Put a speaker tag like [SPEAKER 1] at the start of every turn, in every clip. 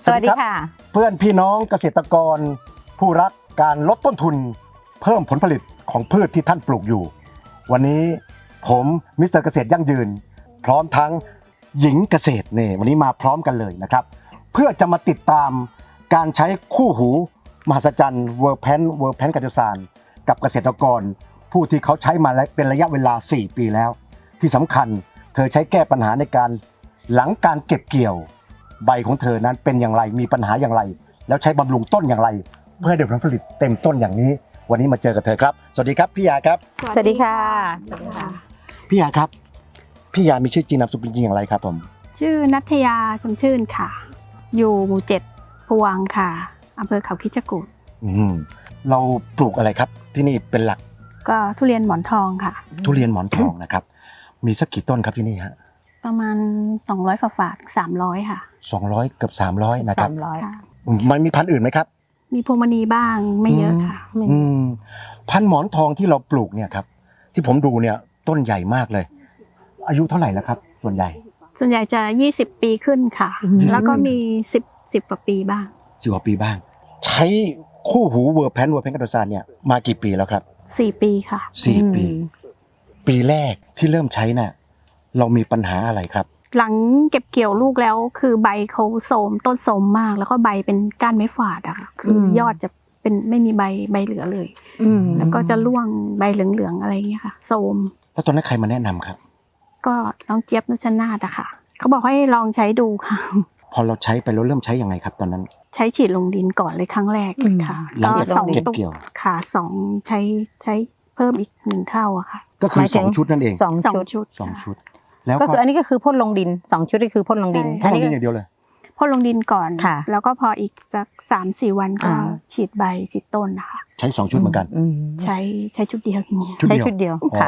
[SPEAKER 1] สวัสดีค่ะ
[SPEAKER 2] เพื่อนพี่น้องเกษตรกรผู้รักการลดต้นทุนเพิ่มผลผลิตของพืชที่ท่านปลูกอยู่วันนี้ผมมิสเตอร์เกษตรยั่งยืนพร้อมทั้งหญิงเกษตรเนี่ยวันนี้มาพร้อมกันเลยนะครับเพื่อจะมาติดตามการใช้คู่หูมหัศจรรย์เวอร์แพนกัจจุสานกับเกษตรกรผู้ที่เขาใช้มาเป็นระยะเวลา4 ปีแล้วที่สำคัญเธอใช้แก้ปัญหาในการหลังการเก็บเกี่ยวใบของเธอนั้นเป็นอย่างไรมีปัญหาอย่างไรแล้วใช้บำรุงต้นอย่างไรเพื่อให้ได้ผลผลิตเต็มต้นอย่างนี้วันนี้มาเจอกับเธอครับสวัสดีครับพี่ยาครับ
[SPEAKER 1] สวัสดีค่ะ
[SPEAKER 2] พี่ยาครับพี่ยามีชื่อจริงนามสกุลจริงอย่างไรครับผม
[SPEAKER 3] ชื่อนัทยาชมชื่นค่ะอยู่หมู่7พวงค่ะอำเภอเขาคิดจกูฏ
[SPEAKER 2] เราปลูกอะไรครับที่นี่เป็นหลัก
[SPEAKER 3] ก็ทุเรียนหมอนทองค่ะ
[SPEAKER 2] ทุเรียนหมอนทองนะครับมีสักกี่ต้นครับที่นี่ฮะ
[SPEAKER 3] ประมาณ200ฝา300ค่ะ
[SPEAKER 2] 200เกือบ300นะครับ
[SPEAKER 1] 300
[SPEAKER 2] มันมีพันธุ์อื่นไหมครับ
[SPEAKER 3] มีพวงมณีบ้างไม่เยอะค่ะ
[SPEAKER 2] พันธุ์หมอนทองที่เราปลูกเนี่ยครับที่ผมดูเนี่ยต้นใหญ่มากเลยอายุเท่าไหร่แล้วครับส่วนใหญ่
[SPEAKER 3] จะ20 ปีขึ้นค่ะแล้วก็มี10กว่าปีบ้าง
[SPEAKER 2] 10 กว่าปีบ้างใช้คู่หูเวอร์แพนกัจจุสานเนี่ยมากี่ปีแล้วครับ
[SPEAKER 3] 4 ปีค่ะ
[SPEAKER 2] 4 ปีปีแรกที่เริ่มใช้น่ะเรามีปัญหาอะไรครับ
[SPEAKER 3] หลังเก็บเกี่ยวลูกแล้วคือใบเขาโทรมต้นโทรมมากแล้วก็ใบเป็นก้านไม้ฝาดอะค่ะคือยอดจะเป็นไม่มีใบเหลือเลยแล้วก็จะร่วงใบเหลืองๆอะไรอย่างเงี้ยค่ะโทรม
[SPEAKER 2] แล้วตอนนั้นใครมาแนะนำครับ
[SPEAKER 3] ก็น้องเจี๊ยบนุชนาธิ์อะค่ะเขาบอกให้ลองใช้ดูค่ะ
[SPEAKER 2] พอเราใช้ไปแล้วเริ่มใช้ยังไงครับตอนนั้น
[SPEAKER 3] ใช้ฉีดลงดินก่อนเลยครั้งแรกค่ะ
[SPEAKER 2] หลังจากเก็บเกี่ยว
[SPEAKER 3] ค่ะ2ใช้เพิ่มอีก1 เท่าอะค่ะ
[SPEAKER 2] ก็คือ2 ชุดนั่นเอง
[SPEAKER 3] 2 ชุด
[SPEAKER 1] แล้วก็คืออันนี้ก็คือพ่นลงดิน2 ชุดนี่คือพ่นลงดิน
[SPEAKER 2] พ่นลงดินอย่างเดียวเลย
[SPEAKER 3] พ่นลงดินก่อนแล้วก็พออีกสัก3-4 วันก็ฉีดใบฉีดต้นนะคะ
[SPEAKER 2] ใช้2 ชุดเหมือนกัน
[SPEAKER 3] ใช้ชุดเดียวอย่างนี้
[SPEAKER 1] ใช้ชุดเดียว
[SPEAKER 2] ค่ะ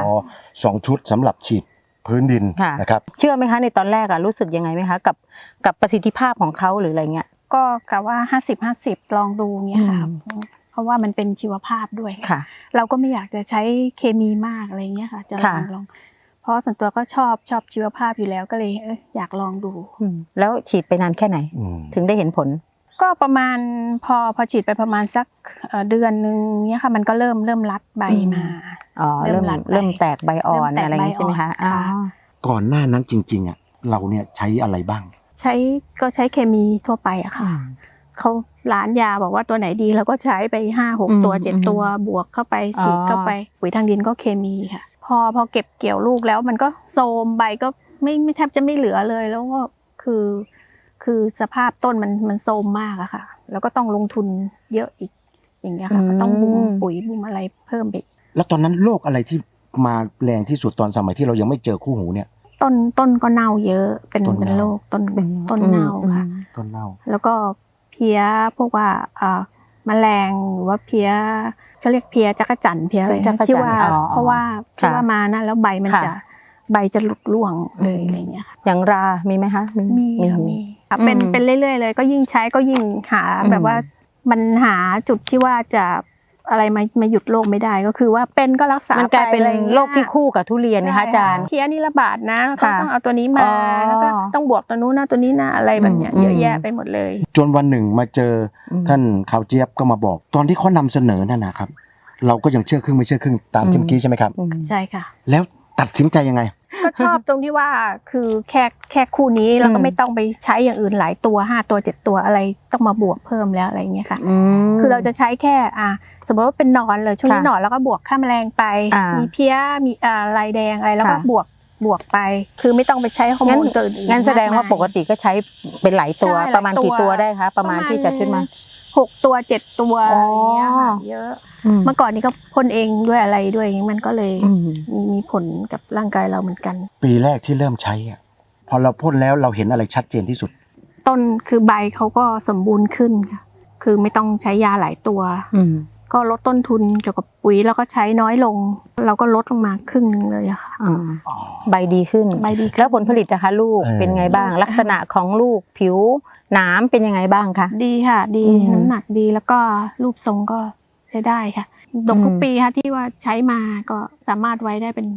[SPEAKER 2] 2 ชุดสำหรับฉีดพื้นดินนะครับ
[SPEAKER 1] เชื่อไหมคะในตอนแรกรู้สึกยังไงไหมคะกับประสิทธิภาพของเขาหรืออะไรเงี้ย
[SPEAKER 3] ก็กะว่า50-50ลองดูเงี้ยค่ะเพราะว่ามันเป็นชีวภาพด้วยเราก็ไม่อยากจะใช้เคมีมากอะไรเงี้ยค่ะจะลองเพราะส่วนตัวก็ชอบชีวภาพอยู่แล้วก็เลยอยากลองดู
[SPEAKER 1] แล้วฉีดไปนานแค่ไหนถึงได้เห็นผล
[SPEAKER 3] ก็ประมาณพอฉีดไปประมาณสักเดือนนึงเนี้ยค่ะมันก็เริ่มรัดใบมา
[SPEAKER 1] เริ่มแตกใบอ่อนอะไรอย่างนี้ใช่ไหมคะ
[SPEAKER 2] ก่อนหน้านั้นจริงๆอ่ะเราเนี่ยใช้อะไรบ้าง
[SPEAKER 3] ใช้เคมีทั่วไปอะค่ะเขาร้านยาบอกว่าตัวไหนดีเราก็ใช้ไป5-6 ตัว7 ตัวบวกเข้าไปฉีดเข้าไปปุ๋ยทางดินก็เคมีค่ะพอเก็บเกี่ยวลูกแล้วมันก็โทรมใบก็ไม่แทบจะไม่เหลือเลยแล้วก็คือสภาพต้นมันโทรมมากอะค่ะแล้วก็ต้องลงทุนเยอะอีกอย่างเงี้ยค่ะก็ต้องบุ้มปุ๋ยบุ้มอะไรเพิ่มไป
[SPEAKER 2] แล้วตอนนั้นโรคอะไรที่มาแรงที่สุดตอนสมัยที่เรายังไม่เจอคู่หูเนี่ย
[SPEAKER 3] ต้นก็เน่าเยอะเป็นโรคต้นเน่าค่ะ
[SPEAKER 2] ต้นเน่า
[SPEAKER 3] แล้วก็เพี้ยพวกว่าแมลงหรือว่าเพี้ยเขาเรียกเพี้ยจักจั่นเพี้ยอะไรที่ว่าเพราะว่ามานะแล้วใบจะหลุดร่วงเลยอะไรเงี้ยค่ะ
[SPEAKER 1] อย่างรามีไหมคะ
[SPEAKER 3] มีเป็นเรื่อยๆเลยก็ยิ่งใช้ก็ยิ่งหาแบบว่ามันหาจุดที่ว่าจะอะไรมาหยุดโรคไม่ได้ก็คือว่าเป็นก็รักษา
[SPEAKER 1] มันกลายเป็นโรคที่คู่กับทุเรียนนะคะอาจารย์
[SPEAKER 3] เพี้ยนี่ระบาดนะก็ต้องเอาตัวนี้มาแล้วก็ต้องบวกตัวนู้นนะตัวนี้นะอะไรแบบเนี้ยเยอะแยะไปหมดเลย
[SPEAKER 2] จนวันหนึ่งมาเจอท่านข่าวเจี๊ยบก็มาบอกตอนที่เขานำเสนอนั่นนะครับเราก็ยังเชื่อครึ่งไม่เชื่อครึ่งตามที่เมื่อกี้ใช่ไหมครับ
[SPEAKER 3] ใช่ค่ะ
[SPEAKER 2] แล้วตัดสินใจยังไง
[SPEAKER 3] ก็ชอบตรงที่ว่าคือแค่คู่นี้เราก็ไม่ต้องไปใช้อย่างอื่นหลายตัว5 ตัว7 ตัวอะไรต้องมาบวกเพิ่มแล้วอะไรเงี้ยค่ะคือเราจะใช้แค่สมมติว่าเป็นหนอนเลยช่วงนี้หนอนแล้วก็บวกฆ่าแมลงไปมีเพี้ยมีลายแดงอะไรแล้วก็บวกไปคือไม่ต้องไปใช้ฮอร์โมนตัวอื่น
[SPEAKER 1] งั้นแสดงว่าปกติก็ใช้เป็นหลายตัวประมาณกี่ตัวได้คะประมาณที่จะขึ้นมา
[SPEAKER 3] 6 ตัว7 ตัวอะไรเงี้ยค่ะเยอะเมื่อก่อนนี้ก็พ่นเองด้วยอะไรด้วยมันก็เลยมีผลกับร่างกายเราเหมือนกัน
[SPEAKER 2] ปีแรกที่เริ่มใช้พอเราพ่นแล้วเราเห็นอะไรชัดเจนที่สุด
[SPEAKER 3] ต้นคือใบเขาก็สมบูรณ์ขึ้นค่ะคือไม่ต้องใช้ยาหลายตัวก็ลดต้นทุนเกี่ยวกับปุ๋ยแล้วก็ใช้น้อยลงเราก็ลดลงมาครึ่งนึงเลยค่ะ
[SPEAKER 1] ใบดีขึ้นแล้วผลผลิตนะคะลูกเป็นไงบ้างลักษณะของลูกผิวหนามเป็นยังไงบ้างคะ
[SPEAKER 3] ดีค่ะดีน้ำหนักดีแล้วก็รูปทรงก็ใช้ได้ค่ะดกทุกปีค่ะที่ว่าใช้มาก็สามารถไว้ได้เป็น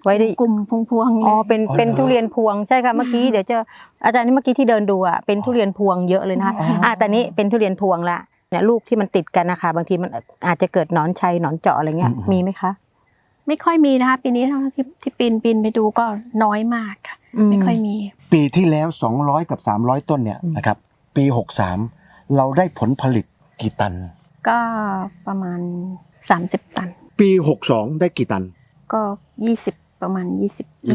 [SPEAKER 1] ไว้ได้
[SPEAKER 3] กลุ่มพวงๆเลย
[SPEAKER 1] อ๋อเป็น
[SPEAKER 2] อ๋อเหรอ
[SPEAKER 1] เป็นทุเรียนพวงใช่ค่ะเมื่อกี้เดี๋ยวจะอาจารย์นี่เมื่อกี้ที่เดินดูอ่ะเป็นทุเรียนพวงเยอะเลยนะคะแต่นี้เป็นทุเรียนพวงละเนี่ยลูกที่มันติดกันนะคะบางทีมันอาจจะเกิดหนอนชัยหนอนเจาะอะไรเงี้ยมีไหมคะ
[SPEAKER 3] ไม่ค่อยมีนะคะปีนี้เท่าที่ปีนไปดูก็น้อยมากค่ะไม่ค่อยมี
[SPEAKER 2] ปีที่แล้ว200กับ300ต้นเนี่ยนะครับปี63เราได้ผลผลิตกี่ตัน
[SPEAKER 3] ก็ประมาณ30 ตัน
[SPEAKER 2] ปี62ได้กี่ตัน
[SPEAKER 3] ก็20ประมาณ20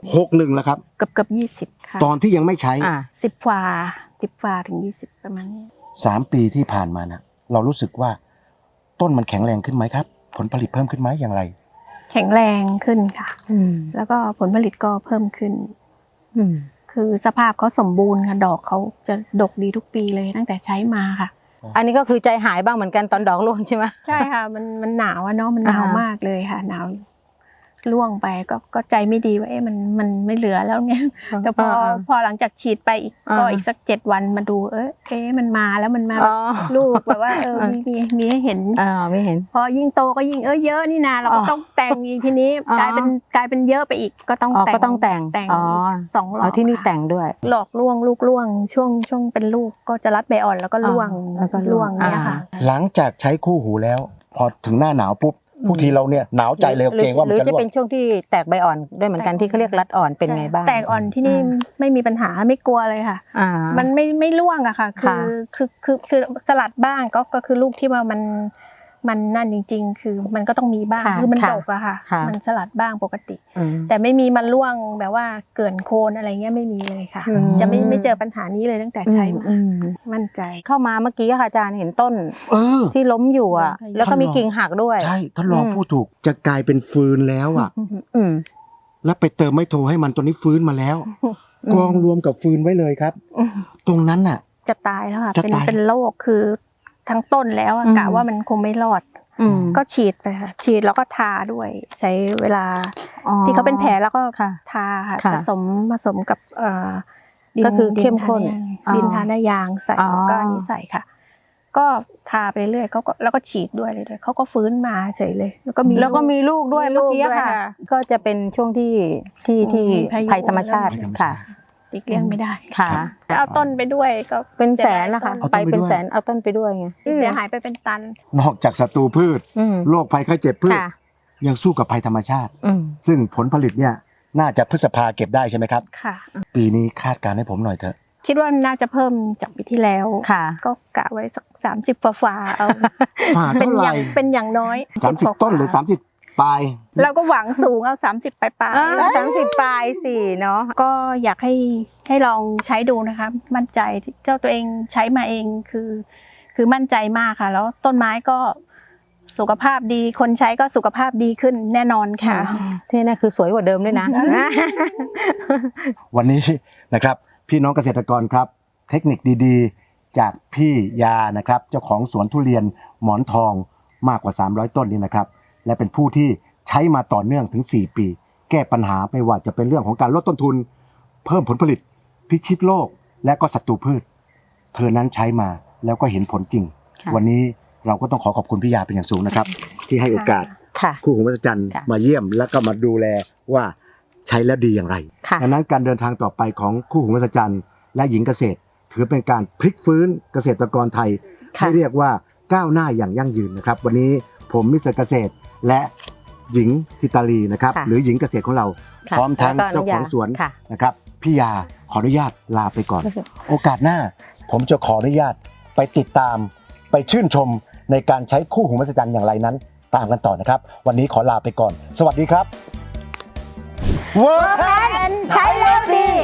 [SPEAKER 2] 61แล้วครับ
[SPEAKER 3] เกือบ20ค่ะ
[SPEAKER 2] ตอนที่ยังไม่ใช้
[SPEAKER 3] 10ฝ่าถึง20ประมาณนี้
[SPEAKER 2] 3 ปีที่ผ่านมานะเรารู้สึกว่าต้นมันแข็งแรงขึ้นไหมครับ ผลผลิตเพิ่มขึ้นไหมอย่างไร
[SPEAKER 3] แข็งแรงขึ้นค่ะ แล้วก็ผลผลิตก็เพิ่มขึ้น คือสภาพเขาสมบูรณ์ค่ะดอกเขาจะดกดีทุกปีเลยตั้งแต่ใช้มาค่ะ
[SPEAKER 1] อันนี้ก็คือใจหายบ้างเหมือนกันตอนดอกร่วงใช่ไหม
[SPEAKER 3] ใช่ค่ะมันหนาวอะเนาะมันหนาวมากเลยค่ะหนาวร่วงไปก็ใจไม่ดีว่ามันไม่เหลือแล้วเนี่ยแต่พอหลังจากฉีดไปอีกสัก7 วันมาดูมันมาแล้วมันมาลูกแบบว่ามีให้เห็น
[SPEAKER 1] ไม่เห็น
[SPEAKER 3] พอยิ่งโตก็ยิ่งเยอะนี่นาเราก็ต้องแต่งอีกทีนี้กลายเป็นเยอะไปอีกก็ต้องแต่ง
[SPEAKER 1] ก็ต้องแต่ง
[SPEAKER 3] อีก2 หลอก
[SPEAKER 1] ที่นี่แต่งด้วย
[SPEAKER 3] หลอกล่วงลูกล่วงช่วงเป็นลูกก็จะรัดใบอ่อนแล้วก็ล่วง
[SPEAKER 1] แล้วก็ล่วง
[SPEAKER 3] เนี่ยค่ะ
[SPEAKER 2] หลังจากใช้คู่หูแล้ว พอถึงหน้าหนาวปุ๊บบางทีเราเนี่ยหนาวใจเลยเกรงว่า
[SPEAKER 1] ห
[SPEAKER 2] มัน
[SPEAKER 1] รือ
[SPEAKER 2] จะ
[SPEAKER 1] จะ
[SPEAKER 2] ร่ว
[SPEAKER 1] เป็
[SPEAKER 2] ง
[SPEAKER 1] นช่วงที่แตกใบอ่อนด้วยเหมือนกันที่เขาเรียกรัดอ่อนเป็นไงบ้าง
[SPEAKER 3] แตกอ่อนที่นี่ไม่มีปัญหาไม่กลัวเลยค่ะ มันไม่ร่วงอะค่ะคือสลัดบ้างก็คือลูกที่ว่ามันนั่นจริงๆ คือมันก็ต้องมีบ้างคือมันดกอะค่ะมันสลัดบ้างปกติ แต่ไม่มีมันร่วงแบบว่าเกินโคนอะไรเงี้ยไม่มีเลยค่ะ จะไม่เจอปัญหานี้เลยตั้งแต่ใช้มามั่นใจ
[SPEAKER 1] เข้ามาเมื่อกี้ค่ะอาจารย์เห็นต้น
[SPEAKER 2] อ
[SPEAKER 1] ที่ล้มอยู่อ่ะ แล้วก็มีกิ่งหักด้วย
[SPEAKER 2] ใช่ท่านรองพูดถูกจะกลายเป็นฟืนแล้วอ่ะ แล้วไปเติมไมโทรให้มันตัวนี้ฟื้นมาแล้วกองรวมกับฟืนไว้เลยครับ ตรงนั้นน่ะ
[SPEAKER 3] จะตายแล้วค่ะ
[SPEAKER 2] จะตาย
[SPEAKER 3] เป็นโรคคือทั้งต้นแล้วกะว่ามันคงไม่รอด ก็ฉีดไปค่ะฉีดแล้วก็ทาด้วยใช้เวลาที่เขาเป็นแผลแล้วก็ทาค่ะผสมกับดิน
[SPEAKER 1] ก็คือเข้มข้น
[SPEAKER 3] ดินทาหน้ายางใส่แล้วก็อันนี้ใส่ค่ะ ก็ทาไปเรื่อยเขาก็แล้วก็ฉีดด้วยเลยเขาก็ฟื้นมาเฉยเลยแล้วก็มีลูก
[SPEAKER 1] ด้วย
[SPEAKER 3] มีลู
[SPEAKER 1] เมื่อก กี้
[SPEAKER 3] ด้วย
[SPEAKER 1] ค่ะ
[SPEAKER 3] ค่ะ
[SPEAKER 1] ก็จะเป็นช่วงที่ภัยธรรมชาติค่ะ
[SPEAKER 3] ติดเลี่ยงไม่ได้
[SPEAKER 1] ค่ะ
[SPEAKER 3] เอาต้นไปด้วยก็
[SPEAKER 1] เป็นแสนนะคะ
[SPEAKER 2] เอาต้น
[SPEAKER 1] ไป
[SPEAKER 2] ไปด้วย
[SPEAKER 1] เป็นแสนเอาต้นไปด้วยไง
[SPEAKER 3] เสียหายไปเป็นตัน
[SPEAKER 2] นอกจากศัตรูพืช โรคภัยไข้เจ็บพืช
[SPEAKER 1] ค่ะ
[SPEAKER 2] ยังสู้กับภัยธรรมชาติ ซึ่งผลผลิตเนี่ยน่าจะพฤษภาเก็บได้ใช่ไหมครับ
[SPEAKER 3] ค่ะ
[SPEAKER 2] ปีนี้คาดการณ์ให้ผมหน่อยเถอะ
[SPEAKER 3] คิดว่าน่าจะเพิ่มจากปีที่แล้ว
[SPEAKER 1] ค่ะ
[SPEAKER 3] ก็กะไว้สัก30ฝ่าเอา
[SPEAKER 2] ฝ่า
[SPEAKER 3] เป็น
[SPEAKER 2] เท่า
[SPEAKER 3] อ
[SPEAKER 2] ไหร่
[SPEAKER 3] ย่างเป็นอย่างน้อย
[SPEAKER 2] 30 ต้นหรือ30 ปลาย
[SPEAKER 3] เราก็หวังสูงเอา30ปลาย
[SPEAKER 1] 30 ปลายสิเนาะ
[SPEAKER 3] ๆก็อยากให้ลองใช้ดูนะคะมั่นใจเจ้าตัวเองใช้มาเองคือมั่นใจมากค่ะ แล้วต้นไม้ก็สุขภาพดีคนใช้ก็สุขภาพดีขึ้นแน่นอนค่ะ
[SPEAKER 1] ที่นั่นคือสวยกว่าเดิมด้วยนะ
[SPEAKER 2] วันนี้นะครับพี่น้องเกษตรกรครับ เทคนิคดีๆ จากพี่ยานะครับเจ้าของสวนทุเรียนหมอนทองมากกว่า300ต้นนี้นะครับและเป็นผู้ที่ใช้มาต่อเนื่องถึง4 ปี แก้ปัญหาไม่ว่าจะเป็นเรื่องของการลดต้นทุน เพิ่มผลผลิตพิชิตโรคและก็ศัตรูพืช เธอนั้นใช้มาแล้วก็เห็นผลจริง วันนี้เราก็ต้องขอบคุณพี่ยาเป็นอย่างสูงนะครับที่ให้โอกาส
[SPEAKER 1] ค่ะ
[SPEAKER 2] คู่หูมหัศจรรย์
[SPEAKER 1] ค่ะ
[SPEAKER 2] มาเยี่ยมแล้วก็มาดูแลว่าใช้แล้วดีอย่างไร
[SPEAKER 1] ค่ะ
[SPEAKER 2] ดังนั้นการเดินทางต่อไปของคู่หูมหัศจรรย์และหญิงเกษตร ถือเป็นการพลิกฟื้นเกษตรกรไทย
[SPEAKER 1] ค่ะ
[SPEAKER 2] ให้เรียกว่าก้าวหน้าอย่างยั่งยืนนะครับ วันนี้ผมมิสเตอร์เกษตรและหญิงทิตาลีนะครับ
[SPEAKER 1] ค่ะ
[SPEAKER 2] หรือหญิงเกษตรของเรา
[SPEAKER 1] ค่ะ
[SPEAKER 2] พร้อมทั้ง
[SPEAKER 1] แล้วก็
[SPEAKER 2] เจ้าของสวน
[SPEAKER 1] ค่ะ
[SPEAKER 2] นะครับพี่ยาขออนุญาตลาไปก่อน โอกาสหน้าผมจะขออนุญาตไปติดตามไปชื่นชมในการใช้คู่หูมหัศจรรย์อย่างไรนั้น ตามกันต่อนะครับ วันนี้ขอลาไปก่อน สวัสดีครับ
[SPEAKER 1] ใช้แล้วดี